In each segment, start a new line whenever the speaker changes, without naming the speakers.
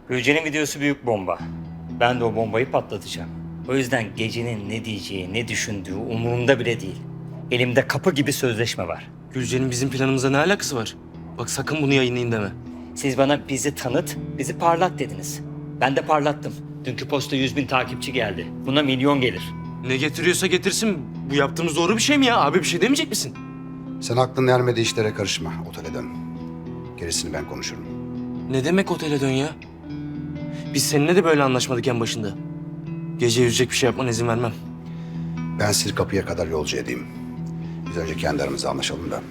Gülce'nin videosu büyük bomba. Ben de o bombayı patlatacağım. O yüzden gecenin ne diyeceği, ne düşündüğü umurumda bile değil. Elimde kapı gibi sözleşme var.
Gülce'nin bizim planımıza ne alakası var? Bak sakın bunu yayınlayın deme.
Siz bana bizi tanıt, bizi parlat dediniz. Ben de parlattım. Dünkü posta 100.000 takipçi geldi. Buna milyon gelir.
Ne getiriyorsa getirsin. Bu yaptığımız doğru bir şey mi ya? Abi bir şey demeyecek misin?
Sen aklın ermediği işlere karışma. Otele dön. Gerisini ben konuşurum.
Ne demek otele dön ya? Biz seninle de böyle anlaşmadık en başında. Gece yüzecek bir şey yapmana izin vermem.
Ben sizi kapıya kadar yolcu edeyim. Biz önce kendi aramızda anlaşalım da.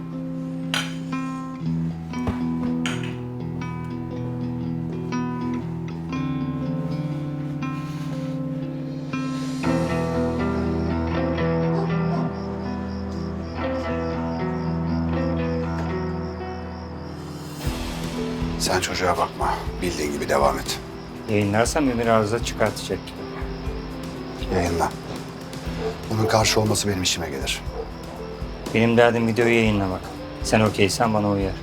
Sen çocuğa bakma. Bildiğin gibi devam et.
Yayınlarsam Ömer arıza çıkartacak.
Yayınla. Bunun karşı olması benim işime gelir.
Benim derdim videoyu yayınlamak. Sen okeysen bana uyar.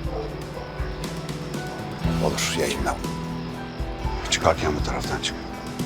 Olur, yayınla. Çıkarken bu taraftan çık.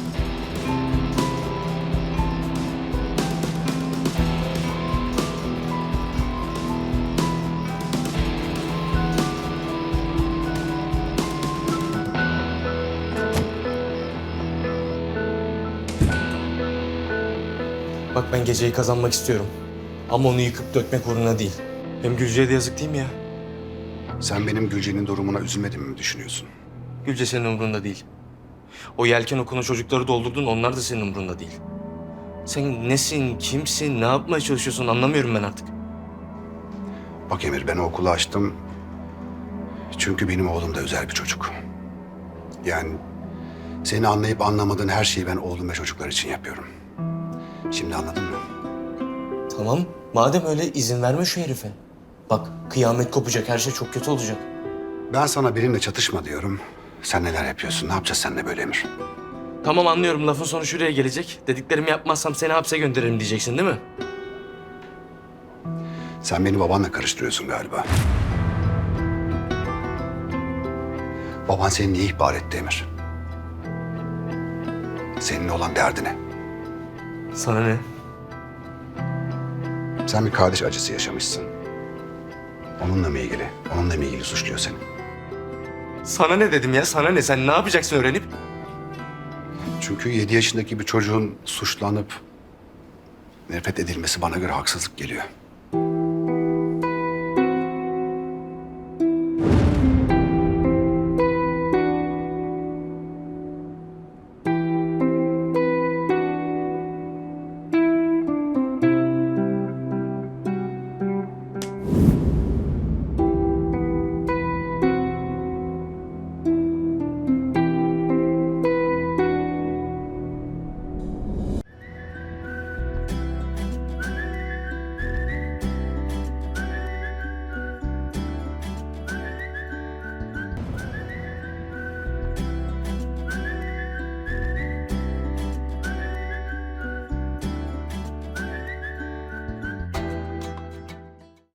Bak ben geceyi kazanmak istiyorum. Ama onu yıkıp dökmek uğruna değil. Hem Gülce'ye de yazık değil mi ya?
Sen benim Gülce'nin durumuna üzülmediğimi mi düşünüyorsun?
Gülce senin umurunda değil. O yelken okuna çocukları doldurdun, onlar da senin umurunda değil. Sen nesin, kimsin, ne yapmaya çalışıyorsun anlamıyorum ben artık.
Bak Emir, ben o okulu açtım. Çünkü benim oğlum da özel bir çocuk. Yani seni anlayıp anlamadığın her şeyi ben oğlum ve çocuklar için yapıyorum. Şimdi anladın mı?
Tamam, madem öyle izin verme şu herife. Bak kıyamet kopacak, her şey çok kötü olacak.
Ben sana benimle çatışma diyorum. Sen neler yapıyorsun? Ne yapacağız seninle böyle Emir?
Tamam anlıyorum, lafın sonu şuraya gelecek. Dediklerimi yapmazsam seni hapse gönderirim diyeceksin değil mi?
Sen beni babanla karıştırıyorsun galiba. Baban seni niye ihbar etti Emir? Seninle olan derdi ne?
Sana ne?
Sen bir kardeş acısı yaşamışsın. Onunla mı ilgili? Onunla mı ilgili suçluyor seni?
Sana ne dedim ya, sana ne? Sen ne yapacaksın öğrenip?
Çünkü 7 yaşındaki bir çocuğun suçlanıp nefret edilmesi bana göre haksızlık geliyor.